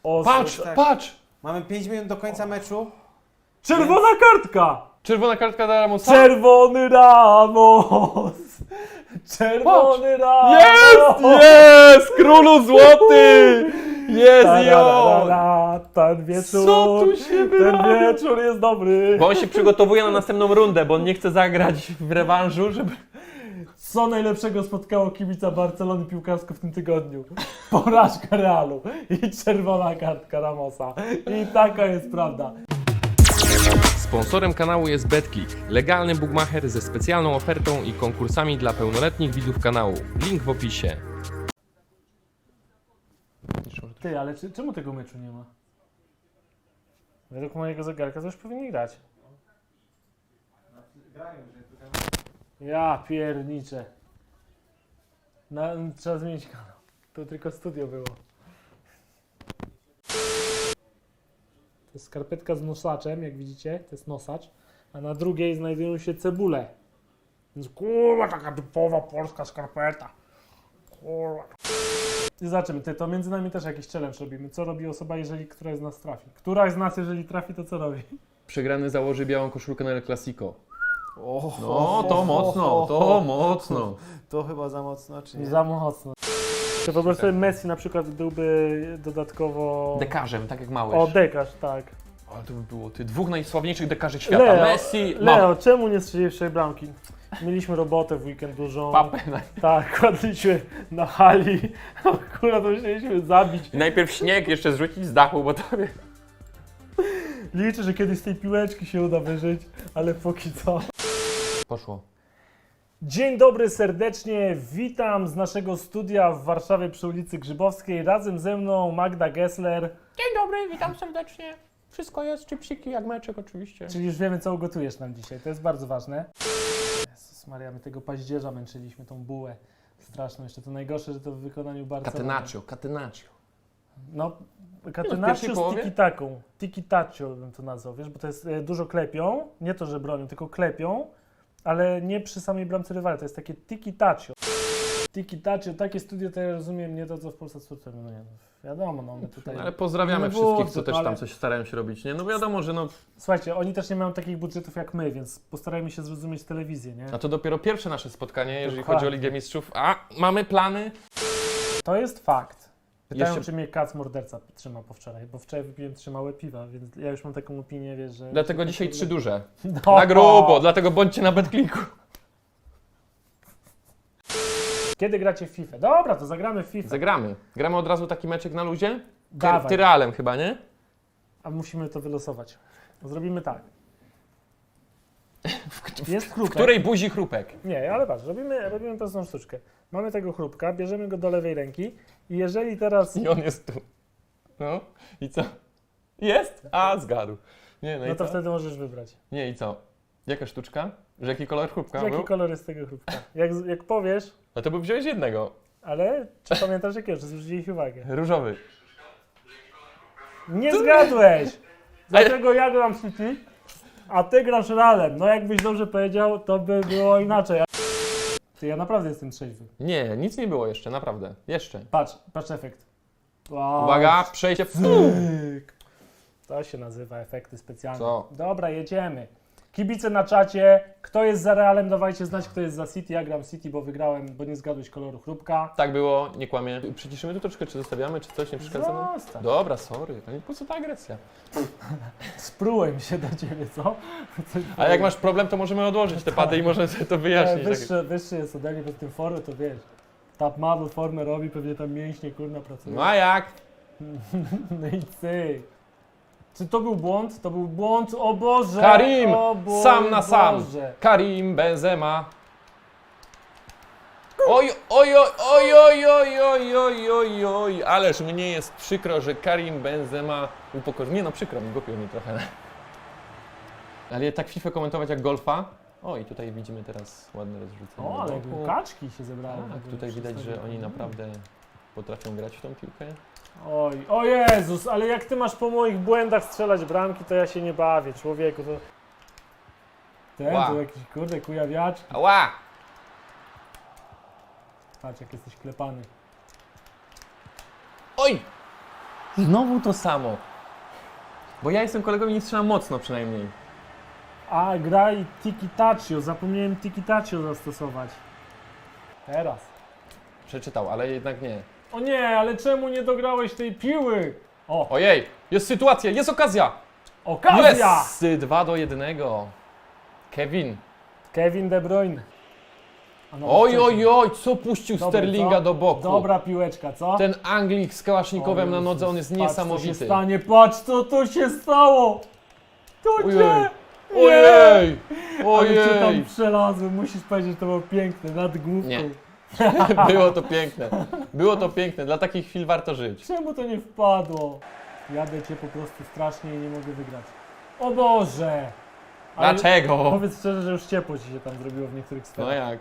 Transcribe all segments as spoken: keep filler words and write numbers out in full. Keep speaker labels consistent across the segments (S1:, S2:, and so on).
S1: O,
S2: Patrz,
S1: tak.
S2: patrz!
S1: Mamy pięć minut do końca meczu.
S3: Czerwona kartka!
S2: Czerwona kartka dla Ramosa.
S3: Czerwony Ramos! Czerwony Ramos!
S2: Jest! Jest! Królu złoty! Jest i on!
S3: Ta-da-da-da, Ten wieczór,
S2: Co tu się
S3: ten
S2: wyrabia?
S3: wieczór jest dobry.
S2: Bo on się przygotowuje na następną rundę, bo on nie chce zagrać w rewanżu, żeby...
S3: Co najlepszego spotkało kibica Barcelony piłkarsko w tym tygodniu? Porażka Realu i czerwona kartka Ramosa. I taka jest prawda.
S2: Sponsorem kanału jest BetKick, legalny bookmacher ze specjalną ofertą i konkursami dla pełnoletnich widzów kanału. Link w opisie.
S3: Ty, ale czy, czemu tego meczu nie ma? Według mojego zegarka to już powinni grać. Ja pierniczę. Na, trzeba zmienić kanał. To tylko studio było. To jest skarpetka z nosaczem, jak widzicie, to jest nosacz, a na drugiej znajdują się cebule. Więc kurwa, taka typowa polska skarpeta. Kurwa. I zobaczymy, ty, to między nami też jakiś challenge robimy. Co robi osoba, jeżeli któraś z nas trafi? Któraś z nas, jeżeli trafi, to co robi?
S2: Przegrany założy białą koszulkę na El Clasico.
S1: O,
S2: No, to mocno, to mocno.
S1: To chyba za mocno, czy nie?
S3: Za mocno. To po prostu Messi na przykład byłby dodatkowo...
S2: Dekarzem, tak jak Małysz.
S3: O, dekarz, tak.
S2: Ale to by było ty dwóch najsławniejszych dekarzy świata.
S3: Leo,
S2: Messi,
S3: Leo, czemu nie strzeliłeś tej bramki? Mieliśmy robotę w weekend dużą.
S2: Papę.
S3: Tak, kładliśmy na hali. Akurat to musieliśmy zabić.
S2: Najpierw śnieg jeszcze zrzucić z dachu, bo to...
S3: Liczę, że kiedyś z tej piłeczki się uda wyżyć, ale póki co.
S2: Poszło.
S3: Dzień dobry serdecznie, witam z naszego studia w Warszawie przy ulicy Grzybowskiej. Razem ze mną Magda Gessler.
S2: Dzień dobry, witam serdecznie. Wszystko jest, chipsiki jak meczek oczywiście.
S3: Czyli już wiemy, co ugotujesz nam dzisiaj, to jest bardzo ważne. Jezus Maria, my tego paździerza męczyliśmy, tą bułę straszną. Jeszcze to najgorsze, że to w wykonaniu Barcelony.
S2: Catenaccio, catenaccio.
S3: No,
S2: pierwszej
S3: catenaccio z
S2: połowie?
S3: tiki-taką. Tiki-taccio bym to nazwał, wiesz, bo to jest e, dużo klepią, nie to, że bronią, tylko klepią, ale nie przy samej bramce rywala, to jest takie tiki-taccio. Tiki-taccio, takie studio to ja rozumiem, nie to, co w Polsce sportowym, no nie, no, wiadomo, no my tutaj...
S2: Ale pozdrawiamy
S3: No
S2: wszystkich,
S3: budżet,
S2: co też
S3: ale-
S2: tam coś starają się robić, nie? No wiadomo, że no...
S3: Słuchajcie, oni też nie mają takich budżetów jak my, więc postarajmy się zrozumieć telewizję, nie?
S2: A to dopiero pierwsze nasze spotkanie, jeżeli
S3: Dokładnie.
S2: chodzi o Ligę Mistrzów. A, mamy plany?
S3: To jest fakt. Pytają,
S2: Jeszcze-
S3: czy mnie kac morderca trzyma po wczoraj, bo wczoraj wypiłem trzy małe piwa, więc ja już mam taką opinię, wiesz, że...
S2: Dlatego dzisiaj trzy duże.
S3: No.
S2: Na grubo, dlatego bądźcie na BetKlicku.
S3: Kiedy gracie w FIFA? Dobra, to zagramy w FIFA.
S2: Zagramy. Gramy od razu taki meczek na luzie? Ty,
S3: Dawaj.
S2: Tyralem chyba, nie?
S3: A musimy to wylosować. Zrobimy tak. Jest
S2: W
S3: chrupek.
S2: której buzi chrupek?
S3: Nie, ale patrz, robimy, robimy prostą sztuczkę. Mamy tego chrupka, bierzemy go do lewej ręki i jeżeli teraz...
S2: I on jest tu. No, i co? Jest? A, zgadł. Nie, no,
S3: No
S2: i
S3: to
S2: co?
S3: wtedy możesz wybrać.
S2: Nie, i co? Jaka sztuczka? Że jaki kolor chrupka
S3: Jaki
S2: był?
S3: kolor jest tego chrupka? Jak, jak powiesz,
S2: No to by wziąłeś jednego.
S3: ale czy pamiętasz jakiego, czy zwróciłeś uwagę?
S2: Różowy.
S3: Nie zgadłeś! Dlatego ja gram City, a ty grasz Realem. No jakbyś dobrze powiedział, to by było inaczej. Ty, ja naprawdę jestem trzeźwy.
S2: Nie, nic nie było jeszcze, naprawdę. Jeszcze.
S3: Patrz, patrz efekt. Wow.
S2: Uwaga, przejście.
S3: Cyk. To się nazywa efekty specjalne.
S2: Co?
S3: Dobra, jedziemy. Kibice na czacie, kto jest za Realem, dawajcie znać, kto jest za City. Ja gram City, bo wygrałem, bo nie zgadłeś koloru chrupka.
S2: Tak było, nie kłamie. Przyciszymy tu troszkę, czy zostawiamy, czy coś nie przeszkadza nam?
S3: Zostaw.
S2: Dobra, sorry. Ale po co ta agresja?
S3: Sprułem się do ciebie, co? Coś
S2: A jak masz problem, to możemy odłożyć te pady i możemy sobie to
S3: E,
S2: wyjaśnić. Tak.
S3: wyższy, wyższy jest ode mnie, bez tym formy, to wiesz. Top model formę robi, pewnie tam mięśnie, kurna, pracują.
S2: No a jak?
S3: No i cyk. Czy to był błąd? To był błąd, o Boże!
S2: Karim!
S3: O Boże,
S2: Sam na sam!
S3: Boże.
S2: Karim Benzema. Oj, oj, oj, oj, oj, oj, oj, oj, oj, oj, ależ mnie jest przykro, że Karim Benzema upokorzył. Nie no, przykro mi, głupio mi trochę. Ale tak FIFA komentować jak golfa. O, i tutaj widzimy teraz ładne rozrzucenie.
S3: O, ale
S2: boku.
S3: kaczki się zebrały.
S2: Tak, tutaj widać, że oni naprawdę potrafią grać w tą piłkę.
S3: Oj, o Jezus, ale jak ty masz po moich błędach strzelać bramki, to ja się nie bawię, człowieku, to... Ten,
S2: Ła.
S3: to jakiś, kurde, kujawiaczki.
S2: Ała!
S3: Patrz, jak jesteś klepany.
S2: Oj! Znowu to samo. Bo ja jestem kolegą i nie strzelam mocno przynajmniej.
S3: A, graj tiki-tachio. Zapomniałem tiki-tachio zastosować. Teraz.
S2: Przeczytał, ale jednak nie.
S3: O nie, ale czemu nie dograłeś tej piły? O,
S2: Ojej, jest sytuacja, jest okazja!
S3: okazja!
S2: Jest! dwa do jednego. Kevin.
S3: Kevin De Bruyne. A no,
S2: Oj,
S3: wcześniej.
S2: oj, oj, co puścił
S3: Dobry,
S2: Sterlinga
S3: co?
S2: do boku.
S3: Dobra piłeczka, co?
S2: Ten Anglik z kałasznikowem
S3: O
S2: na
S3: Jezus,
S2: nodze, on jest
S3: patrz, co się
S2: niesamowity.
S3: stanie, patrz co tu się stało! To
S2: Ojej.
S3: nie!
S2: Ojej!
S3: Ale cię tam
S2: Ojej!
S3: przelazłem, musisz powiedzieć, że to było piękne, nad główką.
S2: Nie. Było to piękne. Było to piękne. Dla takich chwil warto żyć.
S3: Czemu to nie wpadło? Jadę cię po prostu strasznie i nie mogę wygrać. O Boże! Ale
S2: Dlaczego?
S3: Powiedz szczerze, że już ciepło ci się tam zrobiło w niektórych
S2: No
S3: stronach.
S2: jak?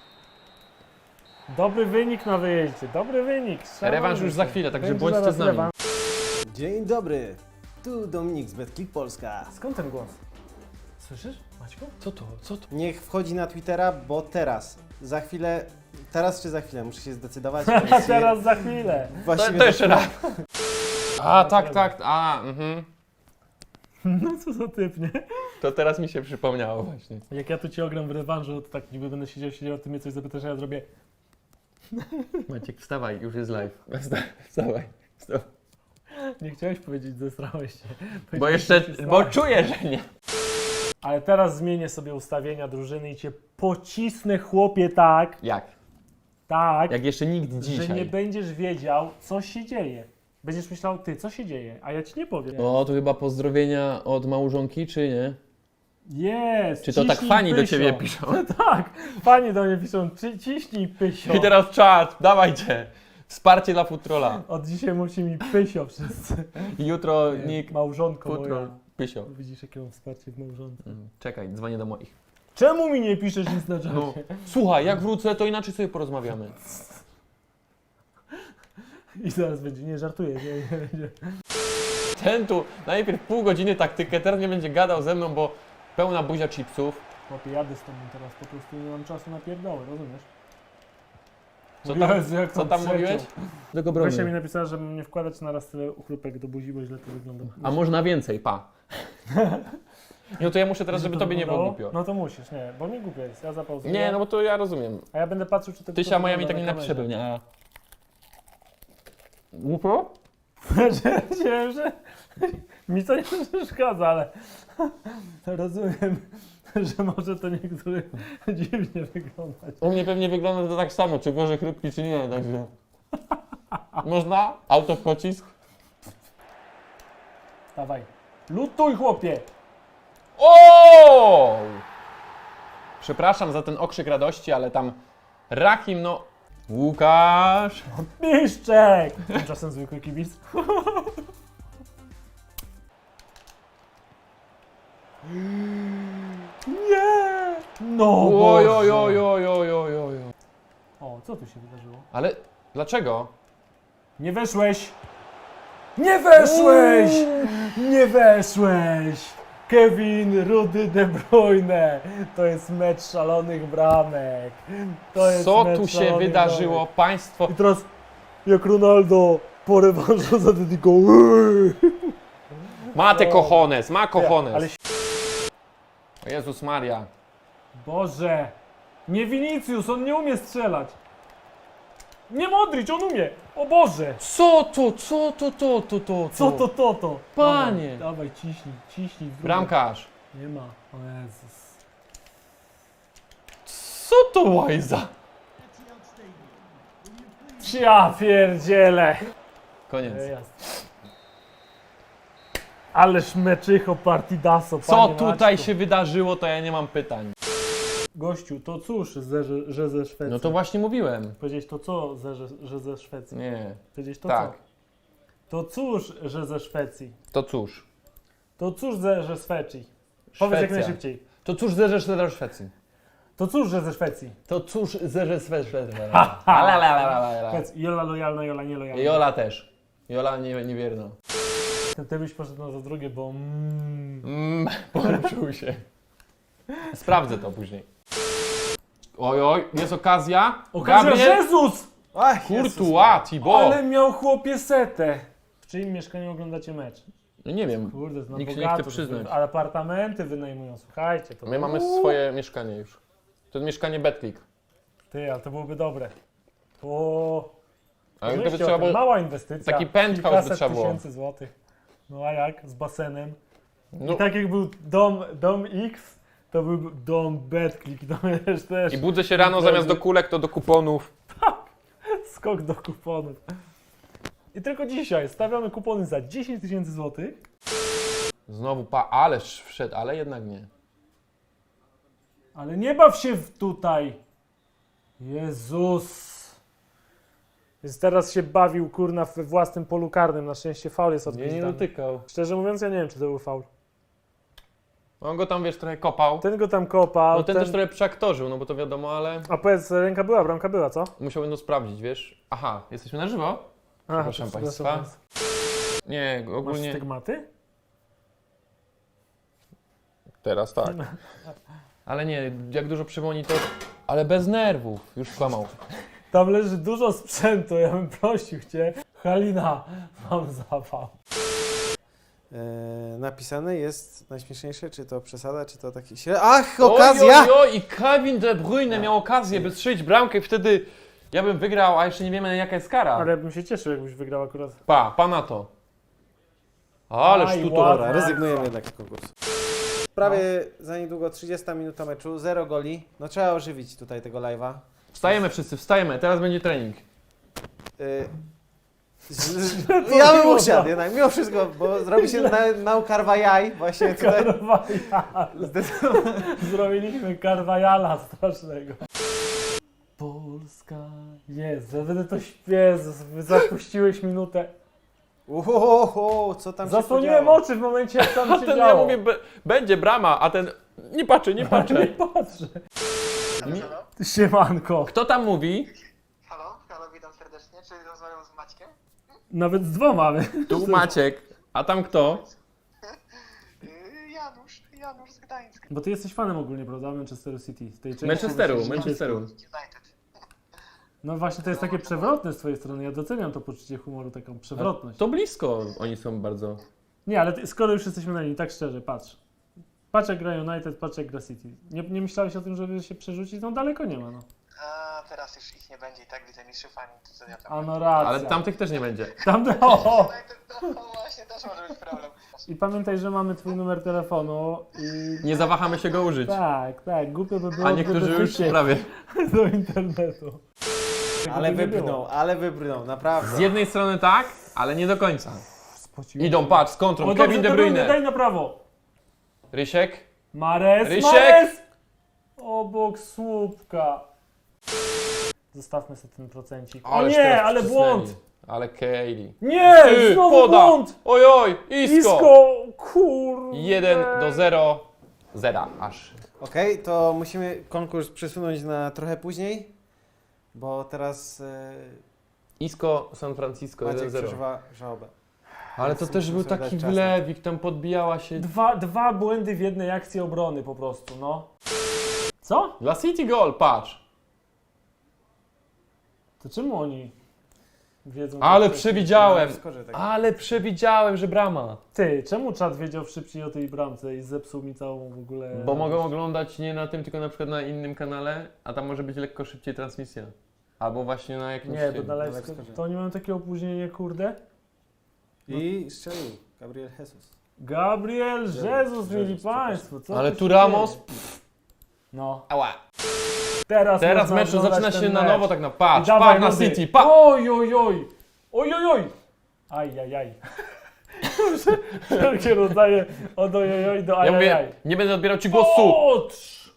S3: Dobry wynik na wyjeździe, dobry wynik.
S2: Rewanż już za
S3: się.
S2: chwilę, także
S3: Będzie
S2: bądźcie
S3: zaraz
S2: z nami.
S3: rewanż.
S1: Dzień dobry. Tu Dominik z BetClick Polska.
S3: Skąd ten głos? Słyszysz, Maćku?
S2: Co to? Co to?
S1: Niech wchodzi na Twittera, bo teraz, za chwilę, teraz czy za chwilę, muszę się zdecydować.
S3: A teraz za chwilę.
S2: To,
S1: Właściwie
S2: to jeszcze
S1: za
S2: raz. A, tak, tak, a, mhm.
S3: No co za typ, nie?
S2: To teraz mi się przypomniało właśnie.
S3: Jak ja tu cię ogram w rewanżu, to tak niby będę siedział, siedział, ty mnie coś zapytasz, a ja zrobię.
S2: Maciek, wstawaj, już jest live. Wstawaj, wstawaj.
S3: Nie chciałeś powiedzieć, zestrałeś się.
S2: Bo
S3: Powiedziałeś,
S2: jeszcze,
S3: że się
S2: bo
S3: stałeś.
S2: czuję, że nie.
S3: Ale teraz zmienię sobie ustawienia drużyny i cię pocisnę, chłopie, tak,
S2: Jak?
S3: tak,
S2: Jak jeszcze nikt
S3: że nie
S2: dzisiaj.
S3: będziesz wiedział, co się dzieje. Będziesz myślał, ty, co się dzieje, a ja ci nie powiem.
S2: O, to chyba pozdrowienia od małżonki, czy nie?
S3: Jest!
S2: Czy to tak
S3: ciśnij
S2: fani do
S3: pysio.
S2: ciebie piszą?
S3: Tak, fani do mnie piszą, ci, ciśnij pysio.
S2: I teraz czat, dawajcie. Wsparcie dla Futrola.
S3: Od dzisiaj musi mi pysio wszyscy.
S2: Jutro nick,
S3: Małżonko
S2: Futrol,
S3: moja.
S2: Pysio.
S3: Widzisz, jakie mam wsparcie w małżonce.
S2: Mm, Czekaj, dzwonię do moich.
S3: Czemu mi nie piszesz nic na czacie?
S2: No, słuchaj, jak wrócę, to inaczej sobie porozmawiamy.
S3: I zaraz będzie, nie żartuję, nie, nie, nie.
S2: Ten tu najpierw pół godziny taktykę, teraz nie będzie gadał ze mną, bo pełna buzia chipsów.
S3: Chłopie, jadę z tobą teraz, po prostu nie mam czasu na pierdoły, rozumiesz?
S2: Co tam,
S3: Jezu, jak
S2: co
S3: to
S2: tam
S3: przeciął.
S2: mówiłeś? Tego
S3: Gosia mi napisała, że mam nie wkładać na raz tyle uchrupek do buzi, bo źle to wygląda.
S2: A można więcej, pa. No to ja muszę teraz, żeby
S3: to
S2: tobie nie było
S3: wyglądało?
S2: głupio.
S3: No to musisz, nie, bo mi głupio jest, ja zapauzuję.
S2: Nie, no bo to ja rozumiem.
S3: A ja będę patrzył, czy to
S2: Tysia moja mi tak
S3: wygląda
S2: nie
S3: na
S2: napisze
S3: kamerze.
S2: pewnie, a... Głupio?
S3: Że, że, że mi to nie przeszkadza, ale rozumiem, że może to niektórym dziwnie wyglądać.
S2: U mnie pewnie wygląda to tak samo, czy gorzej chrupki, czy nie, także... Można? Auto w pocisk?
S3: Dawaj, lutuj chłopie!
S2: O! Przepraszam za ten okrzyk radości, ale tam Rahim, no... Łukasz!
S3: Piszczek! Tymczasem zwykły kibic. Nie! No
S2: Oj,
S3: Boże.
S2: oj, oj, oj, oj, oj, oj.
S3: O, co tu się wydarzyło?
S2: Ale dlaczego?
S3: Nie weszłeś! Nie weszłeś! Nie weszłeś! Kevin Rudy De Bruyne! To jest mecz szalonych bramek. To jest
S2: Co
S3: mecz
S2: tu się
S3: szalonych
S2: wydarzyło,
S3: bramek.
S2: państwo?
S3: I teraz jak Ronaldo po rewanżu zadedykował.
S2: Ma te
S3: O.
S2: cojones, ma cojones.
S3: Ale
S2: O Jezus Maria.
S3: Boże! Nie Vinicius, on nie umie strzelać. Nie Modric, on umie! O Boże!
S2: Co to, co to, to, to, to,
S3: Co to, to, to?
S2: Panie.
S3: Dawaj, dawaj ciśnij, ciśnij. w drugą.
S2: Bramkarz.
S3: Nie ma. O Jezus.
S2: Co to łajza?
S3: Ja pierdzielę.
S2: Koniec.
S3: Jasne. Ależ meczycho partidaso,
S2: Co
S3: panie
S2: tutaj
S3: Maćku.
S2: się wydarzyło, to ja nie mam pytań.
S3: Gościu, to cóż, że, że, że ze Szwecji?
S2: No to właśnie mówiłem.
S3: Powiedzieć to co, że, że, że ze Szwecji?
S2: Nie.
S3: Powiedzieć to
S2: Tak.
S3: co? To cóż, że ze Szwecji?
S2: To cóż.
S3: To cóż, że, że z Szwecji? Powiedz jak
S2: Szwecja.
S3: najszybciej.
S2: To cóż zerzesz do Szwecji.
S3: To cóż, że ze Szwecji?
S2: To cóż zerzesz Szwecji.
S3: Ha, Powiedz, Jola lojalna, Jola nielojalna.
S2: Jola też. Jola nie, niewierna.
S3: Ty, ty byś poszedł na za drugie, bo... Mm.
S2: Mm, poruszył się. Sprawdzę to później. Oj, oj, jest okazja.
S3: Okazja,
S2: Gabriel,
S3: Jezus!
S1: Ach, Jezus.
S2: Courtois, Thibaut.
S3: Ale miał chłopie setę. czyim mieszkaniu oglądacie mecz?
S2: No nie wiem.
S3: Kurde, na
S2: Nikt się nie
S3: bogato,
S2: chce przyznać.
S3: ale apartamenty wynajmują, słuchajcie. To
S2: My mamy
S3: Uuu.
S2: swoje mieszkanie już. To jest mieszkanie Betclick.
S3: Ty, ale to byłoby dobre. O,
S2: Ale
S3: myślcie
S2: to by
S3: o
S2: trzeba
S3: tym,
S2: było...
S3: mała inwestycja.
S2: taki penthouse by
S3: kilkaset
S2: trzeba było.
S3: tysięcy złotych. No a jak? Z basenem.
S2: No,
S3: I tak jak był dom, dom X, to był dom Betclick. To wiesz, też
S2: I budzę się rano, zamiast do kulek, to do kuponów.
S3: skok do kuponów. I tylko dzisiaj stawiamy kupony za dziesięć tysięcy złotych.
S2: Znowu pa... Ależ wszedł, ale jednak nie.
S3: Ale nie baw się w tutaj. Jezus. Więc teraz się bawił, kurna, we własnym polu karnym. Na szczęście faul jest
S2: Nie, nie
S3: odgwizdany.
S2: dotykał.
S3: Szczerze mówiąc, ja nie wiem, czy to był faul.
S2: On go tam, wiesz, trochę kopał.
S3: Ten go tam kopał.
S2: No ten, też trochę przeaktorzył, no bo to wiadomo, ale
S3: A powiedz, ręka była, bramka była, co?
S2: musiałbym to sprawdzić, wiesz. Aha, jesteśmy na żywo?
S3: Aha,
S2: Przepraszam
S3: to-
S2: państwa.
S3: przepraszam
S2: Nie,
S3: Masz
S2: ogólnie...
S3: stygmaty?
S2: Teraz tak. Ale nie, jak dużo przypomni to... Ale bez nerwów, już kłamał.
S3: Tam leży dużo sprzętu, ja bym prosił cię. Halina, mam zawał.
S1: E, napisane jest najśmieszniejsze, czy to przesada, czy to taki... śre- Ach, okazja!
S2: Oj, oj, oj, i Kevin De Bruyne miał okazję, by strzelić bramkę i wtedy ja bym wygrał, a jeszcze nie wiemy jaka jest kara.
S3: Ale ja bym się cieszył, jakbyś wygrał akurat.
S2: Pa, pa na to. Ależ
S3: Aj,
S2: tu to...
S3: ładnie.
S1: Dobra, rezygnujemy jednak z konkursu. Prawie za niedługo trzydziesta minuta meczu, zero goli. No trzeba ożywić tutaj tego live'a.
S2: Wstajemy wszyscy, wstajemy, teraz będzie trening.
S1: Y, z- z- ja bym usiadł jednak, mimo wszystko, bo zrobi się na, nał karwajaj właśnie tutaj.
S3: Karwajal.
S1: Zdecydowanie.
S3: Zrobiliśmy karwajala strasznego. Polska jest, ja będę to śpiewał, zapuściłeś minutę.
S1: Uhoho, co tam się
S3: Zasłoniłem
S1: podziało?
S3: oczy w momencie, jak tam
S2: A
S3: się
S2: ten,
S3: działo.
S2: ja mówię, be, będzie brama, a ten nie patrzy, nie
S3: Nie
S2: patrzy.
S3: patrzę.
S2: Nie-
S4: Halo?
S3: Siemanko.
S2: Kto tam mówi?
S4: Halo, halo, witam serdecznie. Czy rozmawiam z Maćkiem?
S3: Nawet z dwoma.
S2: Tu Maciek, a tam kto?
S4: Yy, Janusz, Janusz z Gdańska.
S3: Bo ty jesteś fanem ogólnie, prawda? Manchesteru City. Z tej części
S2: Manchesteru,
S3: właśnie-
S2: Manchesteru.
S4: United.
S3: No właśnie, to jest takie przewrotne z twojej strony. Ja doceniam to poczucie humoru, taką przewrotność.
S2: To blisko oni są bardzo.
S3: Nie, ale ty, skoro już jesteśmy na linii, tak szczerze, patrz. Patrz jak gra United, patrz jak gra City. Nie, nie myślałeś o tym, żeby się przerzucić? No daleko nie ma, no.
S4: A teraz już ich nie będzie i tak widzę mistrzów ani to co ja tam.
S3: A no racja.
S2: Ale tamtych też nie będzie.
S3: Tam, o!
S4: United, no właśnie, też może być problem.
S3: I pamiętaj, że mamy twój numer telefonu i...
S2: Nie zawahamy się go użyć.
S3: Tak, tak, głupio by było,
S2: A niektórzy
S3: gdyby
S2: już
S3: wyciekł
S2: prawie.
S3: do internetu.
S1: Ale
S3: Gdyby nie
S1: wybrnął,
S3: było.
S1: ale wybrnął, naprawdę.
S2: Z jednej strony tak, ale nie do końca.
S3: Spociłem
S2: Idą,
S3: się.
S2: patrz, z kontrą,
S3: O,
S2: Kevin
S3: dobrze,
S2: De
S3: De Bruyne,
S2: Bruyne.
S3: daj na prawo.
S2: Rysiek.
S3: Mares,
S2: Rysiek!
S3: Mares! Obok słupka. Zostawmy sobie ten procencik. O
S2: Ależ
S3: nie,
S2: teraz
S3: ale
S2: wcisnęli.
S3: błąd!
S2: Ale Kaylee.
S3: Nie,
S2: Ty,
S3: znowu
S2: poda.
S3: błąd!
S2: Oj, oj, Isko.
S3: Isko, kurde.
S2: jeden do zero. Zera aż.
S1: Okej, to musimy konkurs przesunąć na trochę później, bo teraz e,
S2: Isko San Francisco
S1: Maciek
S2: jeden zero.
S1: przeżywa żałobę.
S2: Ale to
S1: Więc
S2: też był
S1: musimy sobie
S2: taki
S1: dać czas na
S2: wlewik, tam podbijała się.
S3: Dwa, dwa błędy w jednej akcji obrony po prostu, no. Co?
S2: Dla City goal, patrz.
S3: To czemu oni wiedzą?
S2: Ale
S3: tak
S2: przewidziałem.
S1: Skoczę tak.
S2: Ale przewidziałem, że brama.
S3: Ty, czemu czat wiedział szybciej o tej bramce i zepsuł mi całą w ogóle...
S2: Bo mogą oglądać nie na tym, tylko na przykład na innym kanale, a tam może być lekko szybciej transmisja. Albo właśnie na jakimś...
S3: Nie, to
S2: tym.
S3: na live,
S1: live skorze.
S3: to oni mają takie opóźnienie, kurde.
S1: I strzelił Gabriel Jesus.
S3: Gabriel
S1: Jezus,
S3: Jesus, mieli
S1: Jezus,
S3: państwo, co
S2: Ale
S3: tu
S2: tu
S3: się
S2: Ramos...
S3: dzieje? No,
S2: Ała.
S3: teraz
S2: Teraz
S3: można
S2: meczu
S3: oglądać
S2: zaczyna
S3: ten
S2: się na
S3: mecz.
S2: nowo, tak na
S3: I
S2: patrz,
S3: dawaj,
S2: patrz na
S3: ludy.
S2: City, pa!
S3: Oj, oj, oj, oj, oj, oj. Aj, aj, aj. Wszelkie rodzaje od oj, oj, oj do aj,
S2: Ja
S3: aj,
S2: mówię,
S3: aj.
S2: nie będę odbierał ci głosu.
S3: Otrz!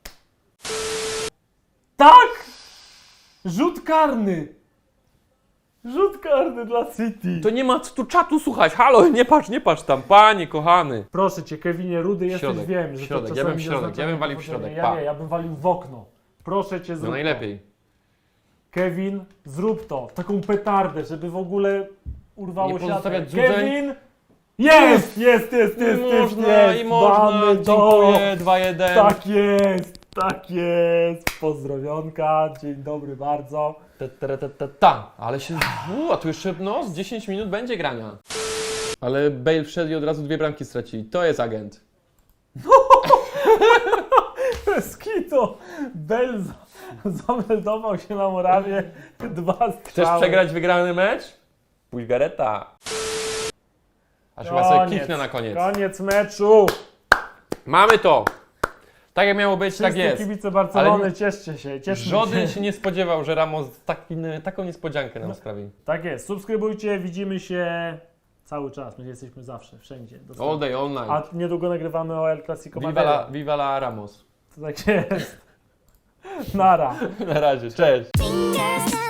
S3: Tak! Rzut karny! Rzut karny dla City.
S2: To nie ma co tu czatu słuchać, halo, nie patrz, nie patrz tam, panie kochany.
S3: Proszę cię, Kevinie, rudy jesteś,
S2: Środek,
S3: wiem, że
S2: środek,
S3: to
S2: ja bym
S3: czasami
S2: w środek,
S3: oznacza
S2: ja bym walił w
S3: niepotrzebnie.
S2: środek,
S3: Ja
S2: pa.
S3: nie, ja bym walił w okno. Proszę cię, zrób
S2: No
S3: to.
S2: najlepiej.
S3: Kevin, zrób to. Taką petardę, żeby w ogóle urwało
S2: Nie
S3: siatkę.
S2: pozostawiać złudzeń.
S3: Kevin! Jest, jest, jest, jest, jest,
S2: Można
S3: jest.
S2: i można,
S3: Mamy to.
S2: dziękuję, dwa jeden.
S3: Tak jest. Tak jest, pozdrowionka, dzień dobry bardzo.
S2: Ta, ta, ta, ta, ta. Ale się... U, a tu jeszcze no, z dziesięć minut będzie grania. Ale Bale wszedł i od razu dwie bramki stracili. To jest agent.
S3: Skito, Bell za- zameldował się na Morawie, dwa strzały.
S2: Chcesz przegrać wygrany mecz? Pójdź Gareta. Aż chyba sobie
S3: Koniec,
S2: kiknę na koniec.
S3: Koniec meczu.
S2: Mamy to! Tak jak miało być,
S3: Wszyscy
S2: tak jest.
S3: kibice Barcelony,
S2: Ale
S3: cieszcie się, cieszmy
S2: żaden
S3: się.
S2: się nie spodziewał, że Ramos taki, taką niespodziankę nam sprawi.
S3: Tak jest, subskrybujcie, widzimy się cały czas, my jesteśmy zawsze, wszędzie.
S2: All day, all night.
S3: A niedługo nagrywamy o El Clasico
S2: Viva la,
S3: Madryt.
S2: viva la Ramos.
S3: Tak jest. Nara.
S2: Na razie, cześć.
S5: Fingers